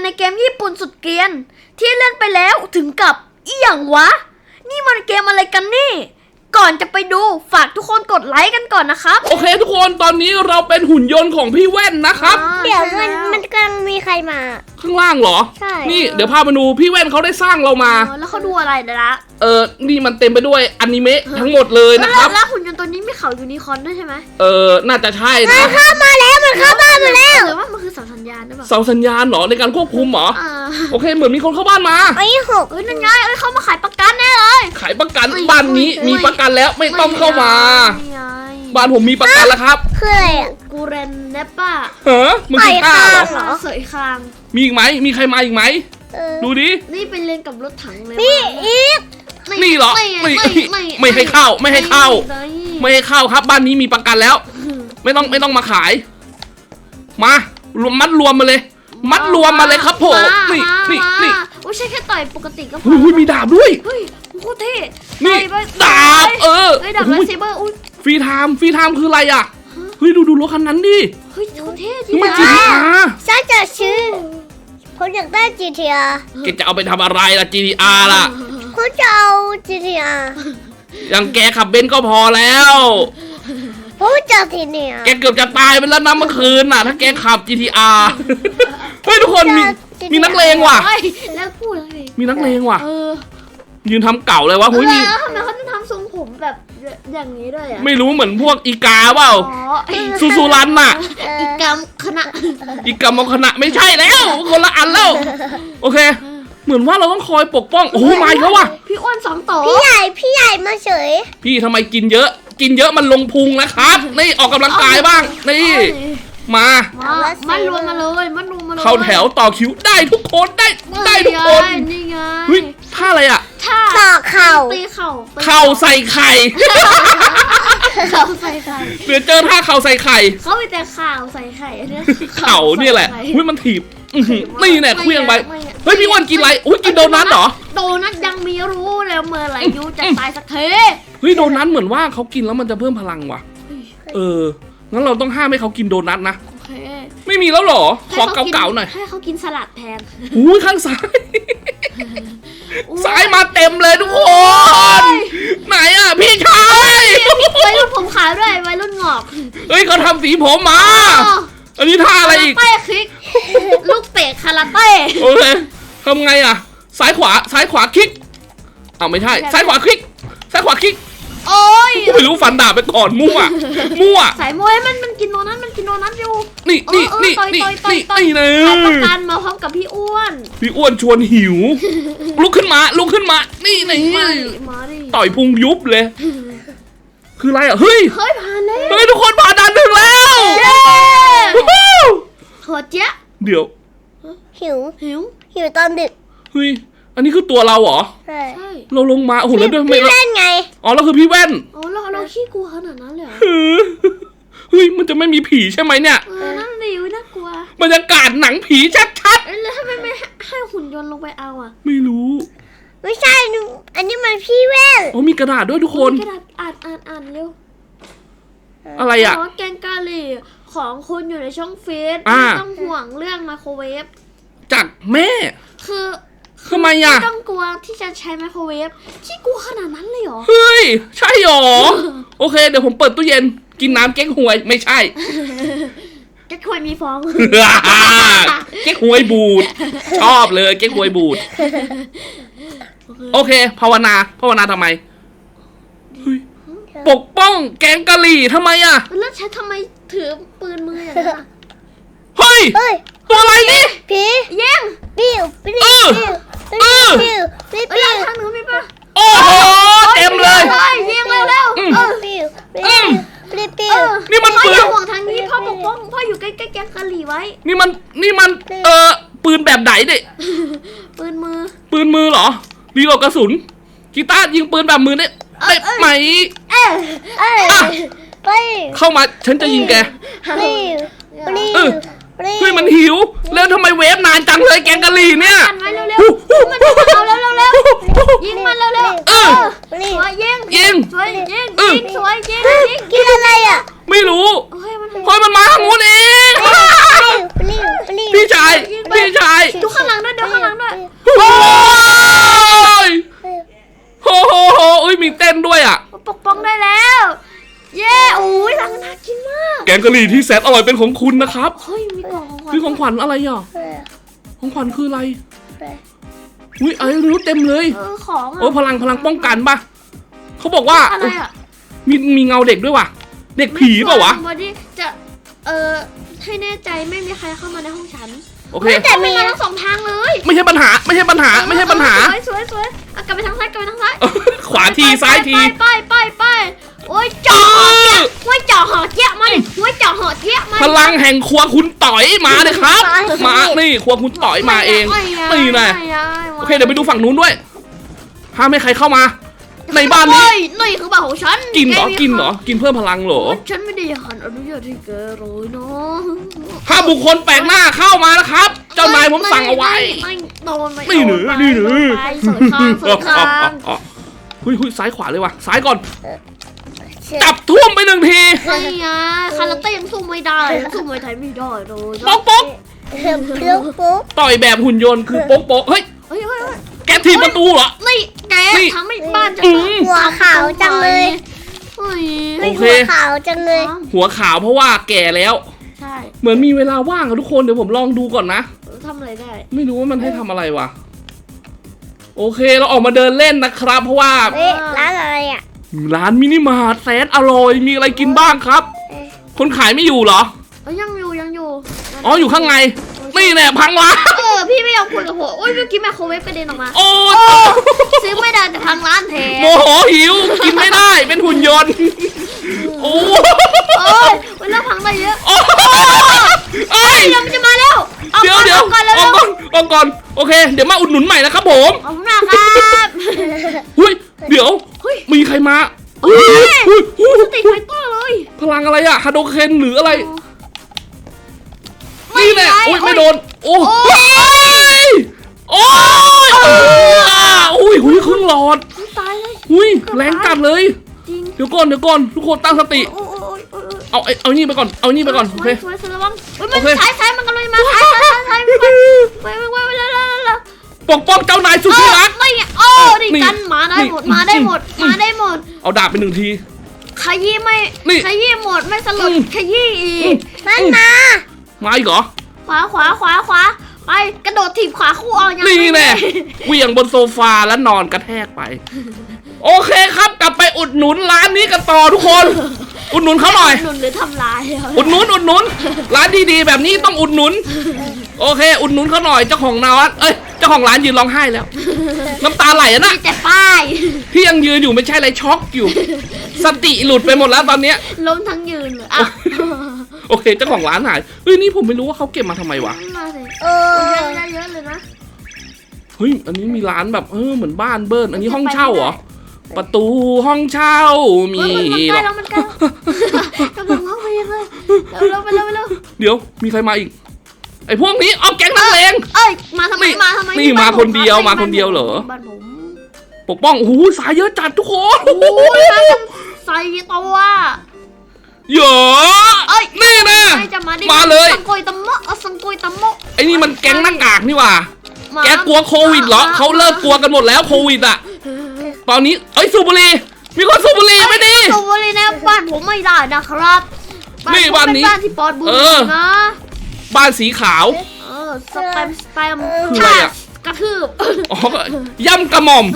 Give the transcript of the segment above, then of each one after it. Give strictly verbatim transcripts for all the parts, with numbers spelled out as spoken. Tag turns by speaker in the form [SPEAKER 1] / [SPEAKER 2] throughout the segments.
[SPEAKER 1] ในเกมญี่ปุ่นสุดเกรียนที่เล่นไปแล้วถึงกับอีหยังวะนี่มันเกมอะไรกันนี่ก่อนจะไปดูฝากทุกคนกดไลค์กันก่อนนะครับ
[SPEAKER 2] โอเคทุกคนตอนนี้เราเป็นหุ่นยนต์ของพี่แว่นนะครับ
[SPEAKER 3] เดี๋ยวมันมันกำลังมีใครมา
[SPEAKER 2] ข้างล่างเหรอ
[SPEAKER 3] ใช่
[SPEAKER 2] นี่เดี๋ยวพามาดูพี่แว่นเขาได้สร้างเรามา
[SPEAKER 1] แล้วเขาดูอะไรนะ
[SPEAKER 2] เออนี่มันเต็มไปด้วยอนิเมะทั้งหมดเลยนะครับ
[SPEAKER 1] แล้วหุ่นยนต์ตัวนี้มีเขายูนิคอร์นด้วยใช่ไหม
[SPEAKER 2] เออน่าจะใช่นะ
[SPEAKER 3] มันเข้ามาแล้วมันเข้าบ้านมาแล้ว
[SPEAKER 1] หรือว่ามันคือเสาสัญญาณหรือเปล่า
[SPEAKER 2] เสาสัญญาณเหรอในการควบคุมเหรอโอเคเหมือนมีคนเข้าบ้านมา
[SPEAKER 3] ไอ้หก
[SPEAKER 1] เอ้ยนั่นไงเอ้ยเขามาขายประกันแน่เลย
[SPEAKER 2] ขายประกันบ้านนี้มีประกันแล้วไม่ต้องเข้ามาบ้านผมมีประกันแล้วครับ
[SPEAKER 3] คืออะไรอ่ะ
[SPEAKER 1] กูเรนเนป้า
[SPEAKER 2] เฮ้อมึงคือข้า
[SPEAKER 1] เหรอเสยคาง
[SPEAKER 2] มีอีกไหมมีใครมาอีกไหมดูดิ
[SPEAKER 1] นี่เป็นเลนกับรถถังเลย
[SPEAKER 3] มีอีก
[SPEAKER 2] นี่เหรอไม่ไม่ให้เข้าไม่ให้เข้าไม่ให้เข้าครับบ้านนี้มีประกันแล้วไม่ต้องไม่ต้องมาขายมารวมมัดรวมมาเลยมัดรวมมาเลยครับผมนี่นี่นี่
[SPEAKER 1] โอ้ใช่แค่ต่อยปกติก็พอ
[SPEAKER 2] เฮ้ยมีดาบด้วย
[SPEAKER 1] เฮ้ยโคตรเท่
[SPEAKER 2] นี่ดาบเออ
[SPEAKER 1] เฮ้ยดาบไลท์เซเบอร์อุ้ย
[SPEAKER 2] ฟรีไทม์ฟรีไทม์คืออะไรอ่ะเฮ้ยดูดูรถคันนั้นดิ
[SPEAKER 1] เฮ้ยโคตรเท่จริ
[SPEAKER 2] งมัน จี ที อาร์
[SPEAKER 3] ฉันจะชื่อผมอยากได้ จี ที อาร์
[SPEAKER 2] แกจะเอาไปทำอะไรล่ะ จี ที อาร์ ล่ะ
[SPEAKER 3] ผมจะเอา จี ที อาร์
[SPEAKER 2] อย่างแกขับเบนซ์ก็พอแล้ว
[SPEAKER 3] ผมจะ จี ที อาร์
[SPEAKER 2] แกเกือบจะตายไปแล้วนะเมื่อคืนน่ะถ้าแกขับ จี ที อาร์ เฮ้ยทุกคนมีมีนักเลงว่ะ
[SPEAKER 1] แล้วพูดอะไร
[SPEAKER 2] มีนักเลงว่ะยืนทำเก่าเลยวะ
[SPEAKER 1] หุ้
[SPEAKER 2] ย
[SPEAKER 1] มีทำไมเขาจะทำทรงผมแบบอย่างนี้ด้วยอ่ะ
[SPEAKER 2] ไม่รู้เหมือนพวกอีกาเปล่าซูซูรันน่ะ
[SPEAKER 1] อีกามคณะ
[SPEAKER 2] อีกามคณะไม่ใช่แล้วคนละอันแล้วโอเคเหมือนว่าเราต้องคอยปกป้องโอ้มาอีกแล้วว่ะ
[SPEAKER 1] พี่อ้วนสองต่อ
[SPEAKER 3] พี่ใหญ่พี่ใหญ่มาเฉย
[SPEAKER 2] พี่ทำไมกินเยอะกินเยอะมันลงพุงนะครับนี่ออกกำลังกายบ้างนี่มา
[SPEAKER 1] มัดรวมมาเลยมัดรวมมาเลย
[SPEAKER 2] เข้าแถวต่อคิวได้ทุกคนได้ได้ทุกคน
[SPEAKER 1] นี่ไง
[SPEAKER 2] เฮ้ยท่าอะไรอ่ะ
[SPEAKER 1] ท่า
[SPEAKER 3] ต่อเข่า
[SPEAKER 1] ตีเข่า
[SPEAKER 2] เข่าใส่ไข่
[SPEAKER 1] เข่าใส่ไข่
[SPEAKER 2] เดี๋ยวเจอท่าเข่าใส่ไข่
[SPEAKER 1] เขาไปแต่ข่าวใส่ไข่อันนี้
[SPEAKER 2] เข่าเนี่ยแหละเฮ้ยมันถีบนี่แน่เคลื่องไปเฮ้ยพี่อ้วนกินอะไรอุ้ยกินโดนัทเหรอ
[SPEAKER 1] โดนัทยังมีรู้แล้วเมื่อไหร่ยูจะตายสักที
[SPEAKER 2] เฮ้ยโดนัทเหมือนว่าเขากินแล้วมันจะเพิ่มพลังว่ะเอองั้นเราต้องห้ามให้เขากินโดนัทนะไม่มีแล้วหรอขอเก่าๆหน่อย
[SPEAKER 1] ให้เขากินสลัดแทน
[SPEAKER 2] อุ้ยข้างซ้ายซ้ายมาเต็มเลยทุกคน ไหนอ่ะพี่ชาย
[SPEAKER 1] วัยรุ่นผมขาวด้วยวัยรุ่นงอก
[SPEAKER 2] เฮ้ยเขาทำสีผมมาอันนี้ท่าอะไรอีก
[SPEAKER 1] เต้คิกลูกเตะคาราเต้
[SPEAKER 2] โอเคทำไงอ่ะซ้ายขวาซ้ายขวาคิกอ้าวไม่ใช่ซ้ายขวาคิกซ้ายขวาคิก
[SPEAKER 1] โอ้ย
[SPEAKER 2] ไม่รู้ฟันดาบไปก่อนมั่วมั่ว
[SPEAKER 1] สายมวยมันมันกินโดนัทมันกินโดนัทอยู่
[SPEAKER 2] นี่นี่นี่นี่นี่นี่เลย
[SPEAKER 1] ประกันมาพร้อมกับพี่อ้วน
[SPEAKER 2] พี่อ้วนชวนหิวลุกขึ้นมาลุกขึ้นมานี่นี่ต่อยพุงยุบเลยคืออะไรอ่ะเฮ้ย
[SPEAKER 1] เฮ้ยผ่านแล้ว
[SPEAKER 2] เฮ้ยทุกคนผ่านด่านถึงแล้ว
[SPEAKER 1] หัวเจ๊ะ
[SPEAKER 2] เดี๋ยว
[SPEAKER 3] หิว
[SPEAKER 1] หิว
[SPEAKER 3] หิวตอนดึก
[SPEAKER 2] เฮ้ยอันนี้คือตัวเราเหรอ
[SPEAKER 3] ใช่
[SPEAKER 2] เราลงมาโอ้โหแล้วด้วย
[SPEAKER 3] พี่แว่นไง
[SPEAKER 2] อ๋อเราคือพี่แว่น
[SPEAKER 1] อ๋อเราเราขี้กลัวขนาดนั้นเลยเหรอ
[SPEAKER 2] เฮ้ยมันจะไม่มีผีใช่ไหมเนี่ย
[SPEAKER 1] เออนั่นดิวน่ากลัว
[SPEAKER 2] บรรยากาศหนังผีชัด
[SPEAKER 1] ๆแล้วทำไมไม่ให้หุ่นยนต์ลงไปเอาอ่ะ
[SPEAKER 2] ไม่รู้
[SPEAKER 3] ไม่ใช่อันนี้มันพี่แว่น
[SPEAKER 2] อ๋อมีกระดาษด้วยทุกคน
[SPEAKER 1] กระดาษอ่านอ่านอ่านเร็ว
[SPEAKER 2] อะไรอ่ะ
[SPEAKER 1] แกงกะหรี่ของคุณอยู่ในช่องฟีดไม่ต้องห่วงเรื่องไมโครเวฟ
[SPEAKER 2] จากแม่
[SPEAKER 1] คือ
[SPEAKER 2] ทำไมอ่ะ
[SPEAKER 1] ไม่ต้องกลัวที่จะใช้ไมโครเวฟที่กลัวขนาดนั้นเลยเหรอ
[SPEAKER 2] เฮ้ยใช่หรอโอเคเดี๋ยวผมเปิดตู้เย็นกินน้ำเก๊กฮวยไม่ใช่
[SPEAKER 1] เก๊กฮวยมีฟอง
[SPEAKER 2] เก๊กฮวยบูดชอบเลยเก๊กฮวยบูดโอเคภาวนาภาวนาทำไมปกป้องแกงกะหรี่ทำไมอ่ะ
[SPEAKER 1] แล้วใช้ทำไมถือปืนมืออย่างนั้น
[SPEAKER 2] เฮ้ยตัวอะไรนี่
[SPEAKER 3] ผี
[SPEAKER 1] เย่ง
[SPEAKER 3] ปิ้วปิ้วปิ้วปิ้วปิ้วปิ้วปิ้ว
[SPEAKER 1] ทางหนูมีปะ
[SPEAKER 2] โอ้โหเต็มเลย
[SPEAKER 1] เย่งเร็วเร็ว
[SPEAKER 3] ปิ้วปิ้วปิ้วปิ้ว
[SPEAKER 2] นี่มันปืน
[SPEAKER 1] ห่วงทางนี้พ่อปกป้องพ่ออยู่ใกล้ๆแกงกะหรี่ไว้
[SPEAKER 2] นี่มันนี่มันเออปืนแบบไหนดิ
[SPEAKER 1] ปืนมือ
[SPEAKER 2] ปืนมือเหรอรีโหลดกระสุนกีตาร์ยิงปืนแบบมือเนี่ยได้ไหม
[SPEAKER 3] เอ้ไป
[SPEAKER 2] เข้ามาฉันจะยิงแกเฮ้ยมันหิวแล้วทำไมเวฟนานจังเลยแกงกะหรี่เนี่ย
[SPEAKER 1] มันไว้เร็วๆมันเอาเร็วๆเร็วยิงมันเร็วๆเออสวยยิง
[SPEAKER 2] ยิง
[SPEAKER 1] สวยยิงยิงสวยยิงยิง
[SPEAKER 3] กินอะไรอ่ะ
[SPEAKER 2] ไม่รู้เฮ้ยมันมาทางนู้นเองพี่ชายพี่ชาย
[SPEAKER 1] ดูข้างหลังด้วยดูข้างหลังด้วย
[SPEAKER 2] โอ้ยโอ้โหโอ้ยมีเต้นด้วยอ่ะ
[SPEAKER 1] ปกป้องได้แล้ว เย้โอ้ยหลังน่ากินมาก
[SPEAKER 2] แกงกะหรี่ที่แสนอร่อยเป็นของคุณนะครับ
[SPEAKER 1] เฮ้ยมีกล่องของขวัญ
[SPEAKER 2] คือของขวัญอะไรอ่ะของขวัญคืออะไรอุ้ยอะไรไม่รู้เต็มเลย
[SPEAKER 1] เออของอะ
[SPEAKER 2] โอ้พลังพลังป้องกันปะเขาบอกว่า
[SPEAKER 1] อะไรอ่ะ
[SPEAKER 2] มีมีเงาเด็กด้วยว่ะเด็กผีเปล่าวะ
[SPEAKER 1] บอดี้จะเออให้แน่ใจไม่มีใครเข้ามาในห้องฉัน
[SPEAKER 2] โอเค
[SPEAKER 1] แต่มีมาทั้งสองทางเลย
[SPEAKER 2] ไม่ใช่ปัญหาไม่ใช่ปัญหาไม่ใช่ปัญหา
[SPEAKER 1] สวยสวยสวยอ่ะกลับไปทางซ้ายกลับไปทางซ้าย
[SPEAKER 2] ขวาทีซ้ายที
[SPEAKER 1] ไปไปไปไปโอ้ยจ่อหอเจี๊ยห้วยจ่อหอเจี๊ยมันห้วยจ่อหอเจี๊ยมัน
[SPEAKER 2] พลังแห่งครัวคุณต่อยมาเลยครับมานี่ครัวคุณต่อยมาเองนี่นะโอเคเดี๋ยวไปดูฝั่งนู้นด้วยห้ามไม่ใครเข้ามา ในบ้านนี้
[SPEAKER 1] นี่คือบ้านของฉัน
[SPEAKER 2] กินเหรอกินเหรอกินเพิ่มพลังเหรอ
[SPEAKER 1] ฉันไม่ได้หันอนุญาตให้แกเลยเนาะ
[SPEAKER 2] ถ้าบุคคลแปลกหน้าเข้ามานะครับ เจ้านายผมสั่งเอาไว้
[SPEAKER 1] ไม่โดนไม่
[SPEAKER 2] นี่หรือนี่หรือ
[SPEAKER 1] เสยคางเสยคาง
[SPEAKER 2] หุยหุยซ้ายขวาเลยว่ะซ้ายก่อนจับทุ่มไปหนึ่งที
[SPEAKER 1] ไม่ไงคาราเต้ยังสู้ไม่ได้สู้มวยไทยไม่ได้เลย
[SPEAKER 2] ป๊อกป๊อก
[SPEAKER 3] ลูกปุ๊บ
[SPEAKER 2] ต่อยแบบหุ่นยนต์คือโป๊กโป๊กเฮ้ย
[SPEAKER 1] เฮ้ยเฮ้ย
[SPEAKER 2] แกถีบประตูเหรอ
[SPEAKER 1] นี่แก
[SPEAKER 2] นี่
[SPEAKER 1] ทำให้บ้านจะ
[SPEAKER 2] อืม
[SPEAKER 3] หัวขาวจังเลย
[SPEAKER 1] เฮ้ย
[SPEAKER 2] โอเค
[SPEAKER 3] หัวขาวจังเลย
[SPEAKER 2] หัวขาวเพราะว่าแก่แล้ว
[SPEAKER 1] ใช่
[SPEAKER 2] เหมือนมีเวลาว่างอะทุกคนเดี๋ยวผมลองดูก่อนนะ
[SPEAKER 1] ทำอะไรได้
[SPEAKER 2] ไม่รู้ว่ามันให้ทำอะไรวะโอเคเราออกมาเดินเล่นนะครับ เพราะว่า
[SPEAKER 3] เฮ้ยร้านอะไรอ่ะ
[SPEAKER 2] ร้านมินิมาร์ทแสนอร่อยมีอะไรกินบ้างครับ คนขายไม่อยู่เหรอ
[SPEAKER 1] เอ้ยยังอยู่ยังอยู่
[SPEAKER 2] อ๋ออยู่ข้างในนี่แน่พังร้าน
[SPEAKER 1] เออพี่ไม่ยอมคุยกับผมโอ้ยเมื่อกี้ไมโครเวฟกระเด็นออกมา
[SPEAKER 2] โอ้
[SPEAKER 1] ซื้อไม่ได้แต่ทางร้านแทน
[SPEAKER 2] โมโหหิวกินไม่ได้เป็นหุ่นยนต์โอ้
[SPEAKER 1] โอ้ยเวลาพังได้เยอะ
[SPEAKER 2] โอ้เอ้ย
[SPEAKER 1] เดี๋ยวมันจะมาแล้วอา
[SPEAKER 2] เดี๋ยว
[SPEAKER 1] ก่อน
[SPEAKER 2] เดี๋ยว
[SPEAKER 1] อาก่อนแล้ว
[SPEAKER 2] ออกก่อนออกก่อนโอเค เดี๋ยวมาอุดหนุนใหม่นะครับผม
[SPEAKER 1] ขอบคุณมากครับ
[SPEAKER 2] เฮ้ยเดี๋ยว
[SPEAKER 1] เฮ้ย
[SPEAKER 2] มีใครมา
[SPEAKER 1] เฮ้ย
[SPEAKER 2] เฮ้ยเฮ้ย
[SPEAKER 1] สติไฟเตอร์เลย
[SPEAKER 2] พลังอะไรอะฮาโดเคนหรืออะไร
[SPEAKER 1] ไม่
[SPEAKER 2] นี่แหละ
[SPEAKER 1] ไง
[SPEAKER 2] โอ้ย
[SPEAKER 1] โอ้ย
[SPEAKER 2] ไม่โดนโอ้
[SPEAKER 1] โอ้
[SPEAKER 2] ยโอ้ยโอ้ยหุยครึ่งหลอด
[SPEAKER 1] ตายเลย
[SPEAKER 2] หุยแรงจัดเลย
[SPEAKER 1] จริง
[SPEAKER 2] เดี๋ยวก่อนเดี๋ยวก่อนทุกคนตั้งสติ
[SPEAKER 1] โอ้ยโอ้ยโอ้ยโอ้ย
[SPEAKER 2] เอาไอ้เอานี่ไปก่อนเอานี่ไปก่อนโอเค
[SPEAKER 1] สวยสวยระวังเฮ้ยมัน
[SPEAKER 2] โอเค
[SPEAKER 1] สายสายมันกำลังจะมาสายสายสายไปไปไปไปไปเลยเลยเลย
[SPEAKER 2] ปกป้องเจ้านายสุด
[SPEAKER 1] เอ
[SPEAKER 2] ที่
[SPEAKER 1] อ
[SPEAKER 2] รัก
[SPEAKER 1] ไม่โอ้ดิ
[SPEAKER 2] นี่
[SPEAKER 1] กันมาได้หมด
[SPEAKER 2] นี่
[SPEAKER 1] มาได้หมด
[SPEAKER 2] อืม
[SPEAKER 1] มาได้หมด
[SPEAKER 2] เอาดาบไปหนึ่งที
[SPEAKER 1] ขยี้ไม่
[SPEAKER 2] นี่
[SPEAKER 1] ขยี้หมดไม่สลด
[SPEAKER 2] อืม
[SPEAKER 1] ขยี้อีก
[SPEAKER 3] มันมา
[SPEAKER 2] มาอีกเหรอ
[SPEAKER 1] ขวาขวาขวาขวาไปกระโดดถีบขวาคู่เอายัง
[SPEAKER 2] นี่แน่
[SPEAKER 1] ไม่
[SPEAKER 2] เหวี่ยงบนโซฟาแล้วนอนกระแทกไป โอเคครับกลับไปอุดหนุนร้านนี้กันต่อทุกคน อุดหนุนเขาหน่อย
[SPEAKER 1] หนุนหรือทำลายเอา
[SPEAKER 2] อุดหนุนอุดหนุนร้านดีๆแบบนี้ต้องอุดหนุน โอเค อุดหนุนเขาหน่อยเจ้าของร้านเอ้ยเจ้าของร้านยืนร้องไห้แล้ว น้ำตาไหลอะนะ
[SPEAKER 1] มีแต่ป้าย
[SPEAKER 2] ที่ยังยืนอยู่ไม่ใช่อะไรช็อกอยู่ สติหลุดไปหมดแล้วตอนเนี้ย
[SPEAKER 1] ล้มทั้งยืนเลยอ่ะ
[SPEAKER 2] โอเคเจ้าของร้านหายเฮ้ยนี่ผมไม่รู้ว่าเขาเก็บมาทำไมวะ
[SPEAKER 1] มาสิ
[SPEAKER 3] เอ
[SPEAKER 1] เย
[SPEAKER 3] อ
[SPEAKER 1] อะเยอะเลยนะ
[SPEAKER 2] เฮ้ยอันนี้มีร้านแบบเออเหมือนบ้านเบิ้ลอันนี้ห้องเช่าเหรอประตูห้องเช่ามี
[SPEAKER 1] เฮ้ยมันใกล้แล้วมันใกล้กำลังร้องเพลงเลยเร็วเร็วไปเร็วไปเร็ว
[SPEAKER 2] เดี๋ยวมีใครมาอีกไอ้พวกนี้เอาแก๊งนักเลง
[SPEAKER 1] เอ้ยมาทำไม
[SPEAKER 2] นี่
[SPEAKER 1] มาทำไม
[SPEAKER 2] นี่มา
[SPEAKER 1] บ้
[SPEAKER 2] คนเดียว
[SPEAKER 1] ผ
[SPEAKER 2] มาคนเดียวเหรอ
[SPEAKER 1] บ้านผม
[SPEAKER 2] ปกป้องโอ้โหสายเยอะจัดทุกคน
[SPEAKER 1] โอ้ยมากันใส่ตัว
[SPEAKER 2] เยอะ
[SPEAKER 1] เอ้ย
[SPEAKER 2] นี่นะ
[SPEAKER 1] ใครจะมาดิ
[SPEAKER 2] มาเลย
[SPEAKER 1] สังกุยตะโมะเอาสังกุยตะโมะ
[SPEAKER 2] ไอ้นี่มันแก๊งหน้ากากนี่หว่า
[SPEAKER 1] มา
[SPEAKER 2] แกกลัวโควิดเหรอเขาเลิกกลัวกันหมดแล้วโควิดอ่ะตอนนี้เอ้ยสูบบุหรี่มีคนสูบบุหรี่ไม่ดี
[SPEAKER 1] สูบบุหรี่ในบ้านผมไม่ได้นะครับ
[SPEAKER 2] นี่
[SPEAKER 1] ผม
[SPEAKER 2] บ้านนี้
[SPEAKER 1] เป็นบ้านที่ปลอดบุห
[SPEAKER 2] เอ
[SPEAKER 1] รี่
[SPEAKER 2] อ
[SPEAKER 1] นะ
[SPEAKER 2] บ้านสีขาว
[SPEAKER 1] เออสแปมสแปม
[SPEAKER 2] คืออะไรอะ
[SPEAKER 1] กระทืบ
[SPEAKER 2] อ๋อย่ำกระหม่อม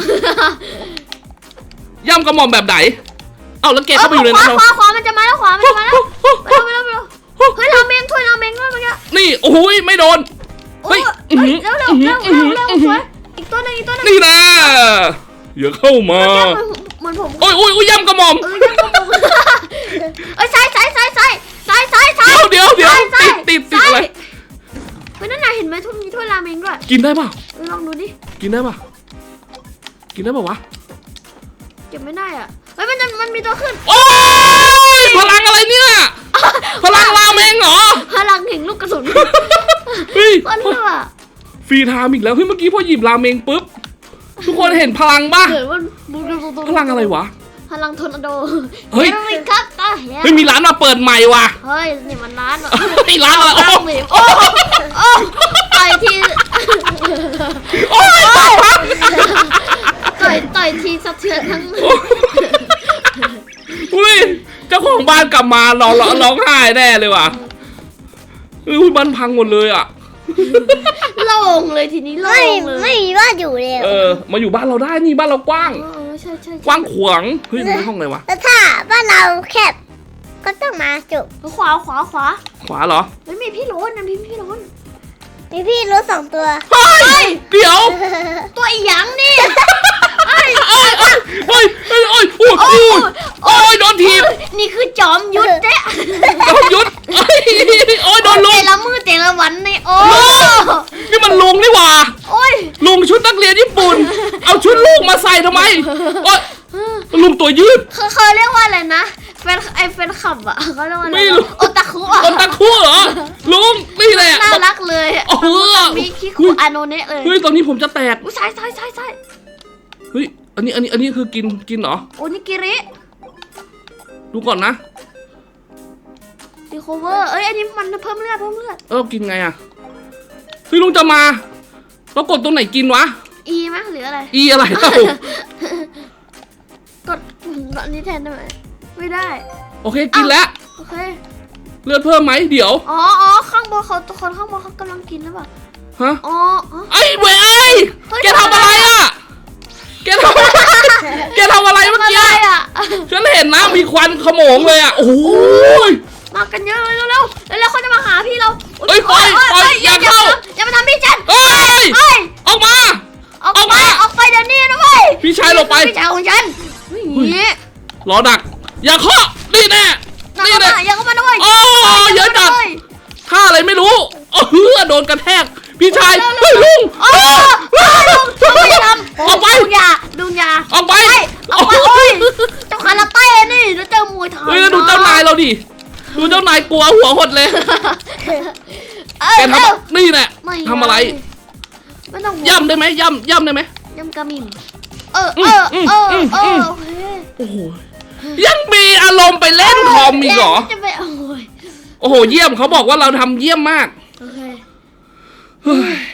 [SPEAKER 2] ย่ำกระหม่อมแบบไหนเอ้าแล้วแกเข้าไปอยู่ในนั้น
[SPEAKER 1] ข
[SPEAKER 2] เหรอ
[SPEAKER 1] วาขวาขวามันจะมาแล้วขวามันจะมาแล้วไปเร็วไปเร็วไปเร็วเฮ้ยราเมงถ้วยราเมงด้วยเมื่อกี้
[SPEAKER 2] นี่โอ้ยไม่โดน
[SPEAKER 1] โอ้
[SPEAKER 2] เฮ้
[SPEAKER 1] ย
[SPEAKER 2] ย
[SPEAKER 1] เฮ้ยเร็วเร็ว
[SPEAKER 2] อื้อหื
[SPEAKER 1] เร็
[SPEAKER 2] อ
[SPEAKER 1] วเร็วเร็ว
[SPEAKER 2] อื้อหือ
[SPEAKER 1] สวยอีกตัวหนึงอีกตัวหนึง
[SPEAKER 2] นี่นะอย่าเข้ามา
[SPEAKER 1] เหมือนผม
[SPEAKER 2] โอ้ยโอ้ยโอ้ยย่ำกระหม่อม
[SPEAKER 1] เออยังกับผมเอ้ยซ้ายซ้ายซ้ายซ้ายซ้ายซ้ายซ้าย
[SPEAKER 2] เดี๋ยวเดี๋ยวเดี๋ยว
[SPEAKER 1] ซ้า
[SPEAKER 2] ติดติดติดอะไร
[SPEAKER 1] เฮ้ยนั่นน่ะเห็นไหมทุ่มมีถ้วยราเมงด้วย
[SPEAKER 2] กินได้ป่ะ
[SPEAKER 1] เออลองดูดิ
[SPEAKER 2] กินได้ป่ะกินได้ป่ะวะ
[SPEAKER 1] เก็บไม่ได้อ่ะเฮ้ยมันจะมันมีตัวขึ้น
[SPEAKER 2] โอ้ยพลังอะไรเนี่ยพลังราเมงเหรอ
[SPEAKER 1] พลังแห่งลูกกระสุน
[SPEAKER 2] เฮ้ย
[SPEAKER 1] คนเลือ
[SPEAKER 2] ฟรีไทม์อีกแล้วเฮ้ยเมื่อกี้พอหยิบราเมงปุ๊บทุกคนเห็นพลังป่ะ
[SPEAKER 1] เกิดว่า
[SPEAKER 2] พลังอะไรวะ
[SPEAKER 1] พลังทอร์นาโด
[SPEAKER 2] เฮ้ย
[SPEAKER 1] ไม่ครับตาเหี้ย
[SPEAKER 2] เฮ้ยมีร้านมาเปิดใหม่ว่ะ
[SPEAKER 1] เฮ้ยนี่มันร้านเหรอ
[SPEAKER 2] ไอ้ร้านอะไรโอ้
[SPEAKER 1] ร้านหมีโอ้โอ้ไปที
[SPEAKER 2] โอ้ย
[SPEAKER 1] ต่อยต่อยทีสะเทือนทั้งมือ
[SPEAKER 2] อุ้ยเจ้าของบ้านกลับมาร้องร้องไห้แน่เลยว่ะอุ้ยบ้านพังหมดเลยอ่ะ
[SPEAKER 1] โล่งเลยทีนี้โล่
[SPEAKER 3] ไม่
[SPEAKER 1] งเลย
[SPEAKER 3] ไม่มีบ้านอยู่แล้ว
[SPEAKER 2] เออมาอยู่บ้านเราได้นี่บ้านเรากว้าง
[SPEAKER 1] เออใช่ใช่
[SPEAKER 2] กว้างขวางเฮ้ยนี่ห้องอะไรวะ
[SPEAKER 3] แล้วถ้าบ้านเราแคบก็ต้องมาจุก
[SPEAKER 1] ขวาขวาขวา
[SPEAKER 2] ขวาเหรอ
[SPEAKER 1] ไม่มีพี่โรนนะพี่พี่โรน
[SPEAKER 3] มีพี่รถสองตัว
[SPEAKER 2] เฮ้ยเดี๋ยว
[SPEAKER 1] ตัวอีหยังนี่
[SPEAKER 2] โอ้ยโอ้ยโอ้ยโอ้ยโอ้ยโอ้ยโอ้ยโดนทีบ
[SPEAKER 1] นี่คือจอมยุทธเด้
[SPEAKER 2] โดนยุดโอ้ยโอ้ยโดนลุ
[SPEAKER 1] แต่
[SPEAKER 2] ง
[SPEAKER 1] ละมือแต่ละวันในโอ้
[SPEAKER 2] นี่มันลุงนี่หว่า
[SPEAKER 1] โอ้ย
[SPEAKER 2] ลุงชุดนักเรียนญี่ปุ่น เอาชุดลูกมาใส่ทำไมโอ้ยลุงตัวยืด
[SPEAKER 1] เขาเขาเรียกว่าอะไรนะแฟนไอแฟนคลับอ่ะเขาเรียกว่าอะไร
[SPEAKER 2] ไม่รู้
[SPEAKER 1] โอตาคุอ่ะ
[SPEAKER 2] คนตะคู่เหรอลุงนี่แหละ
[SPEAKER 1] น่ารักเลย
[SPEAKER 2] โอ้โห
[SPEAKER 1] มีคิคุอาโนเนะเลย
[SPEAKER 2] เฮ้ยตอนนี้ผมจะแตก
[SPEAKER 1] อุ้ยใช่ใช่ใช่ใช่
[SPEAKER 2] เฮ้ยอันนี้อันนี้อันนี้คือกินกินเหรอ
[SPEAKER 1] โอนิกิริ
[SPEAKER 2] ดูก่อนนะ
[SPEAKER 1] ดีโคเวอร์เอ้ยอันนี้มันเพิ่มเลือดเพิ่มเลือด
[SPEAKER 2] เออกินไงอะเฮ้ยลุงจะมาเรากดตรงไหนกินวะ
[SPEAKER 1] อีมั้ยหรืออะไร
[SPEAKER 2] อีอะไรเต้าก
[SPEAKER 1] ดอันนี้แทนได้ไหมไม่ได้
[SPEAKER 2] โอเคกินแล้ว
[SPEAKER 1] โอเค
[SPEAKER 2] เลือดเพิ่มไหมเดี๋ยว
[SPEAKER 1] อ๋ออ๋อข้างบนเขาตัวคนข้างบนเขากำลังกินหรือเปล่า
[SPEAKER 2] ฮะ
[SPEAKER 1] อ๋ออ๋อ
[SPEAKER 2] ไอ้เว้ย
[SPEAKER 1] เฮ้ย
[SPEAKER 2] แกทำอะไรอะแกทำอะไรแกทำอะไรเมื่อ
[SPEAKER 1] อะ
[SPEAKER 2] กี้
[SPEAKER 1] ไรอ่ะ
[SPEAKER 2] ฉันเห็นนะมีควันขโมงเลยอะโอ้ย
[SPEAKER 1] มากันเยอะเลยเร็วๆเร็วๆเขาจะมาหาพี่เรา
[SPEAKER 2] เฮ้ยปล่อยปล่อยอย่าเข้า
[SPEAKER 1] อย่ามาทำพี่ฉัน
[SPEAKER 2] เฮ้ย
[SPEAKER 1] เฮ้ย
[SPEAKER 2] ออกมา
[SPEAKER 1] ออก
[SPEAKER 2] ออก
[SPEAKER 1] ไป
[SPEAKER 2] มา
[SPEAKER 1] ออกไปเดี๋ยวนี้นะเว้ย
[SPEAKER 2] พี่ชายหลบไป
[SPEAKER 1] พี่ชายของฉันนี่
[SPEAKER 2] รอดัก อย่าเคาะนี่แน่
[SPEAKER 1] อย่า
[SPEAKER 2] นี่
[SPEAKER 1] เข้า
[SPEAKER 2] แน่
[SPEAKER 1] มาอย่าเข้ามาด้วย
[SPEAKER 2] โอ้เยอะจัดท่าอะไรไม่รู้โอ้เฮือโดนกระแทกพี่ชายเฮ้ยลุง
[SPEAKER 1] โอ้ลุงลุงไม่ทำ
[SPEAKER 2] ออกไป
[SPEAKER 1] ลุงยาลุงยา
[SPEAKER 2] ออกไป
[SPEAKER 1] ออกไปโอ้ยเจ้าคาราเต้นี่แล้วเจ้ามวยไทย
[SPEAKER 2] เฮ้ยแล้วดูเจ้านายเราดิดูเจ้านายกลัวหัวหดเลย
[SPEAKER 1] เอ้ย
[SPEAKER 2] แก
[SPEAKER 1] เอ้ย
[SPEAKER 2] ทำนี่แหละ
[SPEAKER 1] ไม่
[SPEAKER 2] ทำอะไร
[SPEAKER 1] ไม่ต้องห่วง
[SPEAKER 2] ย่ำได้ไหมย่ำย่ำได้ไหม
[SPEAKER 1] ยำกามินเออเออเออเออโอเค
[SPEAKER 2] โอ้โหยังมีอารมณ์ไปเล่นคอมอีกเหรอ
[SPEAKER 1] จะไปโอ้ย
[SPEAKER 2] โอ้โหเยี่ยมเขาบอกว่าเราทำเยี่ยมมาก
[SPEAKER 1] โอเค
[SPEAKER 2] เฮ้ย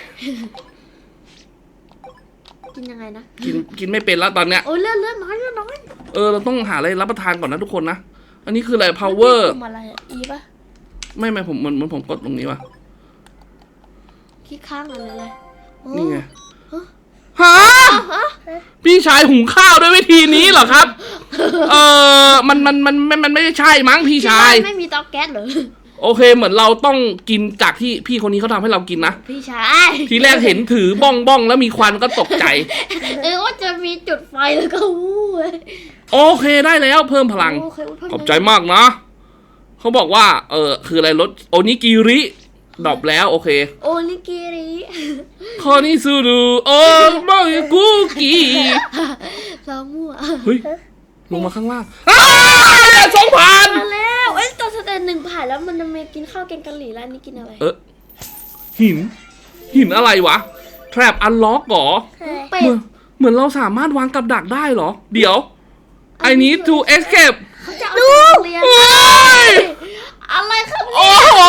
[SPEAKER 1] กินยังไงนะ
[SPEAKER 2] กินกินไม่เป็นแล้วตอนเนี้ย
[SPEAKER 1] โอ้ยเลือดเลือดน้อยเลือดน้อย
[SPEAKER 2] เออเราต้องหาอะไรรับประทานก่อนนะทุกคนนะอันนี้คืออะไร power
[SPEAKER 1] ทำอะไรอ่ะอีปะ
[SPEAKER 2] ไม่ไม่ผมมันมันผมกดตรงนี้วะ
[SPEAKER 1] คิดข้างอะไรเลยโอ้
[SPEAKER 2] นี่ไงฮะ
[SPEAKER 1] ฮะ
[SPEAKER 2] พี่ชายหุงข้าวด้วยวิธีนี้เหรอครับ เออมันมันมันมันมันไม่ได้ใช่มั้งพี่ชาย
[SPEAKER 1] ที่บ้นไม่มีเตาแก๊สเหรอ
[SPEAKER 2] โอเคเหมือนเราต้องกินจากที่พี่คนนี้เขาทำให้เรากินนะ
[SPEAKER 1] พี่ชาย
[SPEAKER 2] ทีแรกเห็นถือบ้องบ้องแล้วมีควันก็ตกใจ
[SPEAKER 1] เออว่าจะมีจุดไฟแล้วก็วู้ย
[SPEAKER 2] โอเคได้แล้วเพิ่มพลัง
[SPEAKER 1] โอเคเพิ่ม
[SPEAKER 2] ขอบใจมากนะ เขาบอกว่า เออคืออะไรรถโอนิกิริดรอปแล้วโอเค
[SPEAKER 1] โอนิกิริ
[SPEAKER 2] คอนิซูรุโอมากุกิ
[SPEAKER 1] เรามั่ว
[SPEAKER 2] เฮ้ยลงมาข้างล่างอ้าวสองพัน
[SPEAKER 1] มาแล้วเอ้ยตอนสเตนหนึ่งผ่านแล้วมันทำไมกินข้าวแกงกะหรี่แล้วอันนี้กินอะไร
[SPEAKER 2] เออหิน หินอะไรวะ แทรปอันล็อกเหรอ
[SPEAKER 1] เป็ด
[SPEAKER 2] เหมือนเหมือนเราสามารถวางกับดักได้เหรอ เดี๋ยว I need to escape
[SPEAKER 1] เขาจะเอาจากโรงเรียน
[SPEAKER 2] เฮ้ย
[SPEAKER 1] อะไรครับ
[SPEAKER 2] โอ้